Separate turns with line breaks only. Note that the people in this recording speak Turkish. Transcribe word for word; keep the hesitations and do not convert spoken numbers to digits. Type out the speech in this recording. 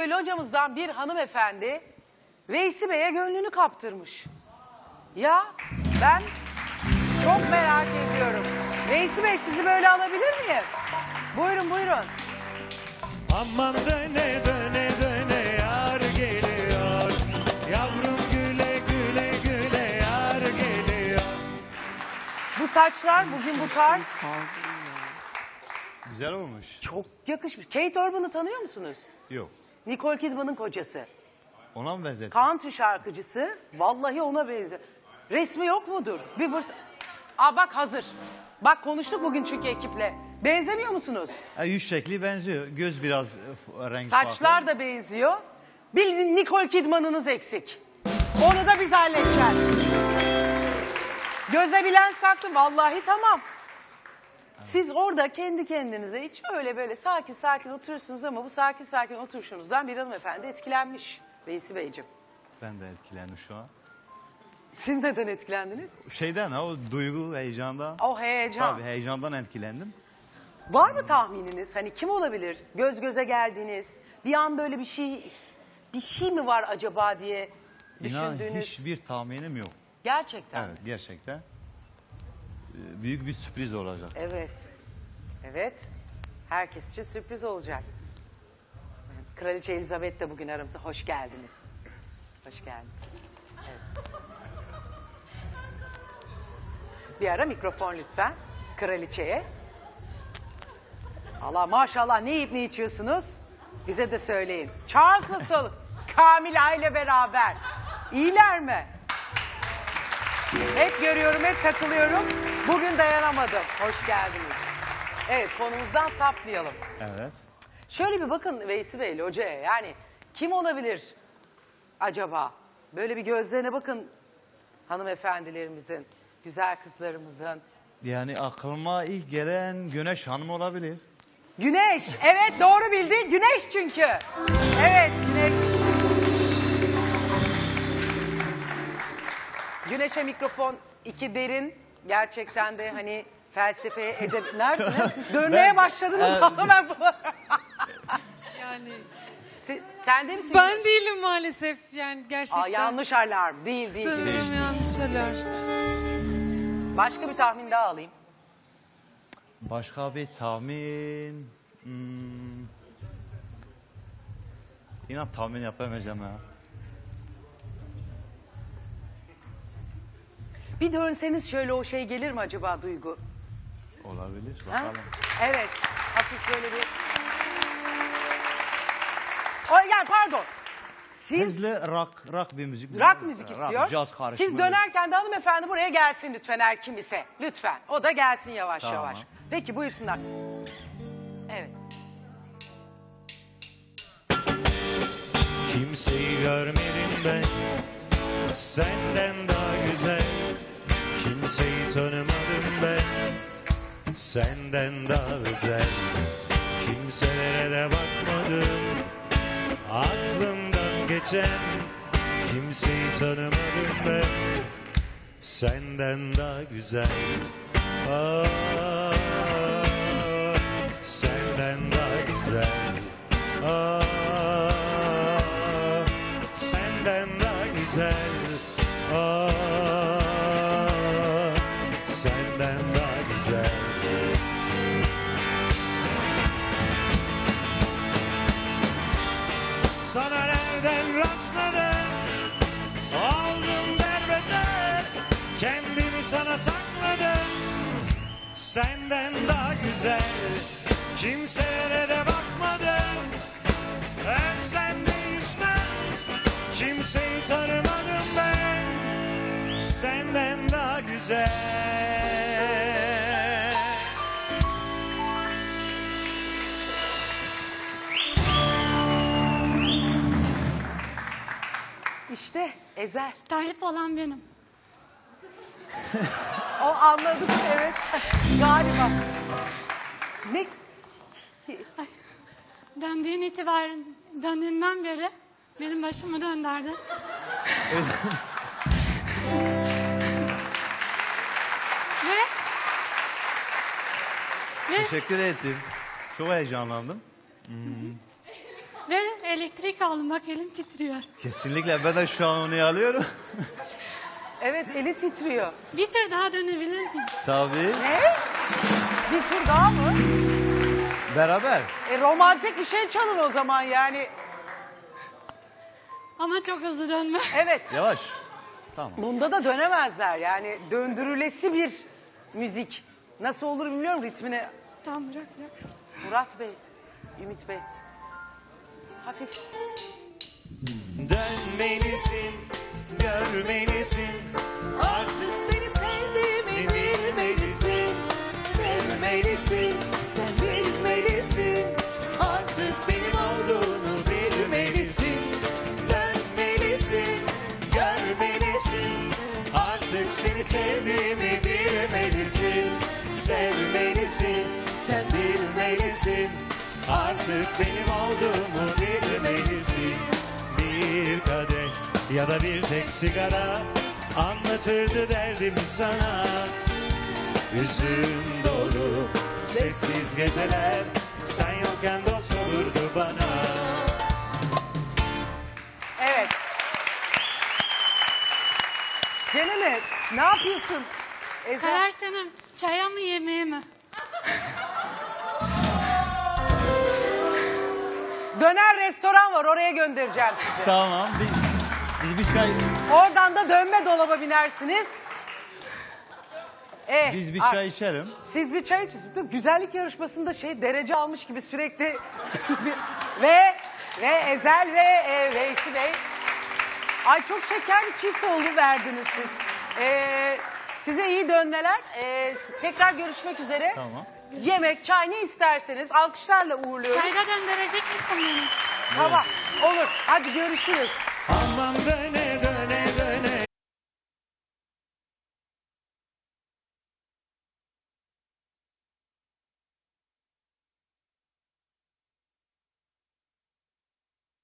ki locamızdan bir hanımefendi Veysi Bey'e gönlünü kaptırmış. Ya ben çok merak ediyorum. Veysi Bey, sizi böyle alabilir miyim? Buyurun buyurun.
Aman döne döne döne yar geliyor. Yavrum güle güle güle yar geliyor.
Bu saçlar bugün bu tarz
Güzel olmuş.
çok yakışmış. Kate Urban'ı tanıyor musunuz?
Yok.
Nicole Kidman'ın kocası.
Ona mı benzetti?
Country şarkıcısı. Vallahi ona benziyor. Resmi yok mudur? Bir burs... Aa bak hazır. Bak konuştuk bugün çünkü ekiple. Benzemiyor musunuz?
Ha, yüz şekli benziyor. Göz biraz e, renk
Saçlar
farklı.
da benziyor. Bir Nicole Kidman'ınız eksik. Onu da biz halledeceğiz. Göze bir lens taktım. Vallahi tamam. Siz orada kendi kendinize hiç öyle böyle sakin sakin oturursunuz ama bu sakin sakin oturuşunuzdan bir hanımefendi etkilenmiş. Veysi Beyciğim.
Ben de etkilendim şu an.
Siz neden etkilendiniz?
Şeyden ha, o duygu, heyecandan.
O heyecan.
Tabii heyecandan etkilendim.
Var mı tahmininiz? Hani kim olabilir? Göz göze geldiniğiniz. Bir an böyle bir şey bir şey mi var acaba diye
İnan
düşündüğünüz.
hiçbir tahminim yok.
Gerçekten.
Evet, gerçekten. Ee, Büyük bir sürpriz olacak.
Evet. Evet. Herkes için sürpriz olacak. Kraliçe Elizabeth de bugün aramızda. Hoş geldiniz. Hoş geldiniz. Evet. Bir ara mikrofon lütfen. Kraliçeye. Allah maşallah ne yiyip ne içiyorsunuz? Bize de söyleyin. Charles nasıl? Kamila ile beraber. İyiler mi? Hep görüyorum, hep takılıyorum. Bugün dayanamadım. Hoş geldiniz. Evet, konumuzdan sapmayalım.
Evet.
Şöyle bir bakın Veysi Bey, hocaya. Yani kim olabilir acaba? Böyle bir gözlerine bakın hanımefendilerimizin, güzel kızlarımızın.
Yani aklıma ilk gelen Güneş Hanım olabilir.
Güneş, evet doğru bildi. Güneş çünkü. Evet, Güneş. Güneş'e mikrofon iki derin. Gerçekten de hani felsefeye edeb... Nerede? Siz dönmeye
Ben-
başladınız
e,
ama ben...
Yani
Siz- Sen de misin?
ben değilim maalesef yani gerçekten.
Aa, yanlış alarm. Değil, değil.
Sanırım
Güneş.
yanlış alarm.
Başka bir tahmin daha alayım.
Başka bir tahmin... Hmm... İnan tahmin yapamayacağım ya.
Bir dönseniz şöyle o şey gelir mi acaba Duygu?
Olabilir.
Ha?
Bakalım.
Evet. Hafif böyle bir... O, yani pardon. Siz
Hızlı rock, rock bir müzik.
rock müzik istiyor.
Caz karışımı.
Siz dönerken de hanımefendi buraya gelsin lütfen her kim ise. Lütfen. O da gelsin yavaş
Tamam.
yavaş. Peki buyursunlar. Evet.
Kimseyi görmedim ben senden daha güzel. Kimseyi tanımadım ben senden daha özel. Kimselere de bakmadım aklımdan geçen. Kimseyi tanımadım ben senden daha güzel. Aa, senden daha güzel. Aa, senden daha güzel. Aa, senden daha güzel. Sana nereden rastladım? Aldım derbeder. Kendimi sana sakladım. Senden daha güzel. Kimselere de bakmadım. Ben sendeyiz ben. Kimseyi tanımadım ben. Senden daha güzel.
İşte Ezel.
Talip olan benim.
O anladık evet. Galiba. Ne?
Döndüğün itibaren, döndüğünden beri benim başımı döndürdü. Ve Ve
Teşekkür ettim. Çok heyecanlandım. Hmm.
Ve elektrik aldım. Bak elim titriyor.
Kesinlikle ben de şu an onu alıyorum.
Evet, eli titriyor.
Bir tur daha dönebilir miyim?
Tabii.
Ne? Bir tur daha mı?
Beraber.
E, romantik bir şey çalın o zaman yani.
Ama çok hızlı dönme.
Evet.
Yavaş. Tamam.
Bunda da dönemezler yani döndürülesi bir müzik. Nasıl olur bilmiyorum ritmini.
Tamam bırak bırak.
Murat Bey, Ümit Bey. Hafif.
Dönmelisin, görmelisin. Artık seni sevdiğimi bilmelisin. Sevmelisin, sen bilmelisin. Artık benim olduğunu bilmelisin. Dönmelisin, görmelisin. Artık seni sevdiğimi bilmelisin. Sevmelisin, sen bilmelisin. Artık benim olduğumu bilmelisin. Bir kadeh ya da bir tek sigara anlatırdı derdimi sana. Hüzün dolu sessiz geceler sen yokken dost olurdu bana.
Evet. Cemile ne yapıyorsun? Ezel.
Karar senin. Çaya mı yemeğe mi?
Döner restoran var oraya göndereceğim sizi.
Tamam. Biz, biz bir çay
Oradan da dönme dolaba binersiniz. Eh,
biz bir
ah,
çay içerim.
Siz bir çay için. Dur, güzellik yarışmasında şey derece almış gibi sürekli ve ve Ezel ve e, Veysi Bey. Ay çok şeker bir çift oldu verdiniz siz. Ee, size iyi dönmeler. Ee, tekrar görüşmek üzere.
Tamam.
Yemek, çay ne isterseniz alkışlarla uğurluyoruz.
Çayda döndürecek misin beni?
Tamam olur. Hadi görüşürüz.
Aman döne döne